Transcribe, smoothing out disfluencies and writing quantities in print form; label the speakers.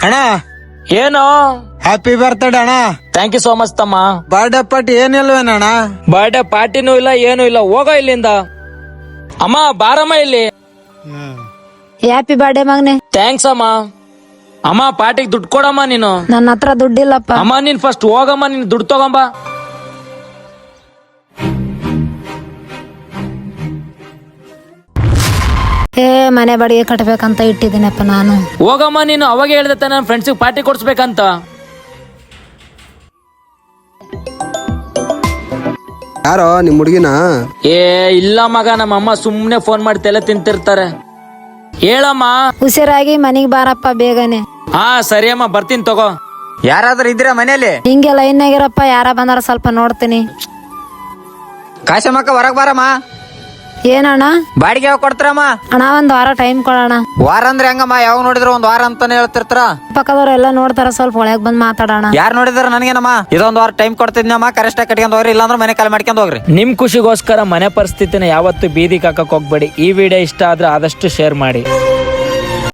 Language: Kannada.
Speaker 1: ಅಣ್ಣ
Speaker 2: ಏನು?
Speaker 1: ಹ್ಯಾಪಿ ಬರ್ತ್ಡೇ ಅಣ್ಣ.
Speaker 2: ಥ್ಯಾಂಕ್ ಯು ಸೋ ಮಚ್ ತಮ್ಮ.
Speaker 1: ಬರ್ಡೇ ಪಾರ್ಟಿ ಏನಿಲ್ವೇನಣ್ಣ?
Speaker 2: ಬರ್ಡೇ ಪಾರ್ಟಿನೂ ಇಲ್ಲ ಏನು ಇಲ್ಲ, ಹೋಗೋ ಇಲ್ಲಿಂದ. ಅಮ್ಮ ಬಾರಮ್ಮ ಇಲ್ಲಿ.
Speaker 3: ಹ್ಯಾಪಿ ಬರ್ಡೇ ಮಗನೆ.
Speaker 2: ಥ್ಯಾಂಕ್ಸ್ ಅಮ್ಮ. ಅಮ್ಮ ಪಾರ್ಟಿಗೆ ದುಡ್ಡು ಕೊಡಮ್ಮ ನೀನು.
Speaker 3: ನನ್ನ ಹತ್ರ ದುಡ್ಡಿಲ್ಲಪ್ಪ.
Speaker 2: ಅಮ್ಮ ನೀನ್ ಫಸ್ಟ್ ಹೋಗಮ್ಮ, ನೀನ್ ದುಡ್ಡು ತಗೊಂಬ.
Speaker 3: ಮನೆ ಬಾಡಿಗೆ ಕಟ್ಬೇಕಂತ ಇಟ್ಟಿದ್ದೀನಪ್ಪ ನಾನು.
Speaker 2: ಹೋಗಮ್ಮ ನೀನು. ಅವಾಗ ಹೇಳ್ದೆ ನನ್ನ ಫ್ರೆಂಡ್ಸಿಗೆ ಪಾರ್ಟಿ ಕೊಡ್ಸ್ಬೇಕಂತ.
Speaker 4: ಯಾರೋ ನಿಮ್ ಹುಡುಗಿನ?
Speaker 2: ಏ ಇಲ್ಲ ಮಗ, ನಮ್ಮ ಅಮ್ಮ ಸುಮ್ನೆ ಫೋನ್ ಮಾಡಿ ತಲೆ ತಿಂತಿರ್ತಾರೆ. ಹೇಳಮ್ಮ.
Speaker 3: ಹುಷಾರಾಗಿ ಮನಿಗ್ ಬಾರಪ್ಪ ಬೇಗನೆ.
Speaker 2: ಹಾ ಸರಿ ಅಮ್ಮ, ಬರ್ತೀನಿ ತಗೋ.
Speaker 5: ಯಾರಾದ್ರೂ ಇದ್ದೀರಾ ಮನೇಲಿ?
Speaker 3: ಹಿಂಗೆ ಲೈನ್ ಆಗಿರಪ್ಪ, ಯಾರ ಬಂದಾರ ಸ್ವಲ್ಪ ನೋಡ್ತೀನಿ.
Speaker 5: ಕಾಶಮ್ಮಕ್ಕ ಹೊರಗ್ ಬಾರಮ್ಮ.
Speaker 3: ಏನಣ್ಣ?
Speaker 5: ಬಾಡಿಗೆ ಯಾವಾಗ ಕೊಡ್ತಾರಮ್ಮ?
Speaker 3: ಅಣ್ಣ ಒಂದ್ ವಾರ ಟೈಮ್ ಕೊಡೋಣ.
Speaker 5: ವಾರ ಅಂದ್ರೆ ಹೆಂಗಮ್ಮ? ಯಾವಾಗ ನೋಡಿದ್ರು ಒಂದ್ ವಾರ ಅಂತಾನೆ ಹೇಳ್ತಿರ್ತಾರ.
Speaker 3: ಪಕ್ಕದವ್ರು ಎಲ್ಲ ನೋಡ್ತಾರ, ಸ್ವಲ್ಪ ಒಳಗ್ ಬಂದ್ ಮಾತಾಡೋಣ.
Speaker 5: ಯಾರು ನೋಡಿದ್ರ ನನಗೇನಮ್ಮ? ಇದೊಂದ್ ವಾರ ಟೈಮ್ ಕೊಡ್ತಿದ್ನಮ್ಮ, ಕರೆಕ್ಟ್ ಕಟ್ಕೊಂಡ್ ಹೋಗ್ರಿ, ಇಲ್ಲಾಂದ್ರೆ ಮನೆ ಕಾಲ್ ಮಾಡ್ಕೊಂಡ್ ಹೋಗ್ರಿ.
Speaker 2: ನಿಮ್ ಖುಷಿಗೋಸ್ಕರ ಮನೆ ಪರಿಸ್ಥಿತಿನ ಯಾವತ್ತು ಬೀದಿಗೆ ಹಾಕಕ್ ಹೋಗ್ಬೇಡಿ. ಈ ವಿಡಿಯೋ ಇಷ್ಟ ಆದ್ರೆ ಆದಷ್ಟು ಶೇರ್ ಮಾಡಿ.